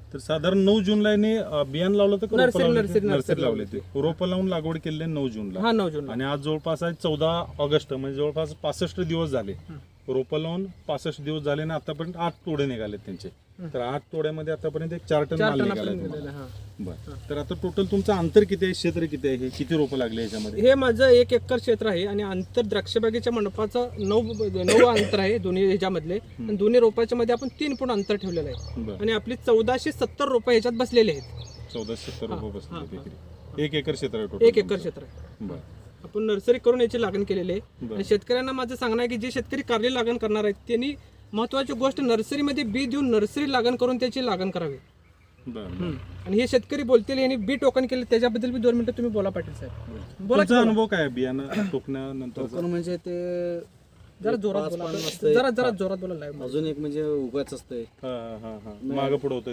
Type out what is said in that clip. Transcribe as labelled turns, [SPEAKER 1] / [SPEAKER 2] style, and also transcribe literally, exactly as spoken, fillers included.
[SPEAKER 1] तर साधारण नऊ जूनला यांनी अं, बियाणं लावलं तर
[SPEAKER 2] नर्सरी नर्सरी
[SPEAKER 1] नर्सरी लावले ते रोपं लावून लागवड केली आहे नऊ जूनला.
[SPEAKER 2] हा नऊ जून
[SPEAKER 1] आणि आज जवळपास आहे चौदा ऑगस्ट म्हणजे जवळपास पासष्ट दिवस झाले रोपं लावून पासष्ट दिवस झाले आणि आतापर्यंत आठ तोडे निघालेत त्यांचे. तर आठ तोड्यामध्ये आतापर्यंत एक चार टन
[SPEAKER 2] चार
[SPEAKER 1] माल
[SPEAKER 2] टन
[SPEAKER 1] निघाला
[SPEAKER 2] आपण
[SPEAKER 1] आहे
[SPEAKER 2] गेलेलं,
[SPEAKER 1] तुम्हाला.
[SPEAKER 2] हा.
[SPEAKER 1] बरं तर आता टोटल तुमचं अंतर किती आहे क्षेत्र किती आहे हे किती रोपं लागले याच्यामध्ये?
[SPEAKER 2] हे माझं एक एकर क्षेत्र आहे आणि अंतर द्राक्षबागेच्या मंडपाचं नऊ नऊ अंतर आहे दोन्ही ह्याच्यामधले आणि दोन्ही रोपाच्या मध्ये आपण तीन फूट अंतर ठेवलेलं आहे
[SPEAKER 1] बरं
[SPEAKER 2] आणि आपली चौदाशे सत्तर रोपं ह्याच्यात बसलेले आहेत.
[SPEAKER 1] चौदाशे सत्तर
[SPEAKER 2] हा,
[SPEAKER 1] रोपं
[SPEAKER 2] हा,
[SPEAKER 1] बसले
[SPEAKER 2] हा.
[SPEAKER 1] एकरी. एक एकर क्षेत्र आहे टोटल
[SPEAKER 2] एक एकर क्षेत्र आहे.
[SPEAKER 1] बरं
[SPEAKER 2] आपण नर्सरी करून याची लागण केलेली आहे
[SPEAKER 1] बरं.
[SPEAKER 2] आणि शेतकऱ्यांना माझं सांगणं आहे की जे शेतकरी कारली लागण करणार आहेत त्यांनी महत्वाची गोष्ट नर्सरीमध्ये बी देऊन नर्सरी लागण करून त्याची लागण करावी.
[SPEAKER 1] बरं
[SPEAKER 2] आणि हे शेतकरी बोलतील यांनी बी टोकन केले त्याच्याबद्दल बी दोन मिनिटं तुम्ही बोला पाटील साहेब. बोला की
[SPEAKER 1] तुमचा
[SPEAKER 2] बोला.
[SPEAKER 1] अनुभव काय आहे बियाणं टोकण्यानंतर?
[SPEAKER 3] टोकन म्हणजे ते
[SPEAKER 2] जरा जोरात
[SPEAKER 3] पाच
[SPEAKER 2] बोला
[SPEAKER 3] पान
[SPEAKER 2] आपलं.
[SPEAKER 3] असतंय.
[SPEAKER 2] जरा जरा जोरात बोला लाईव्ह.
[SPEAKER 3] अजून एक म्हणजे उगाच असतंय
[SPEAKER 1] हा हा हा मागं पुढं होतं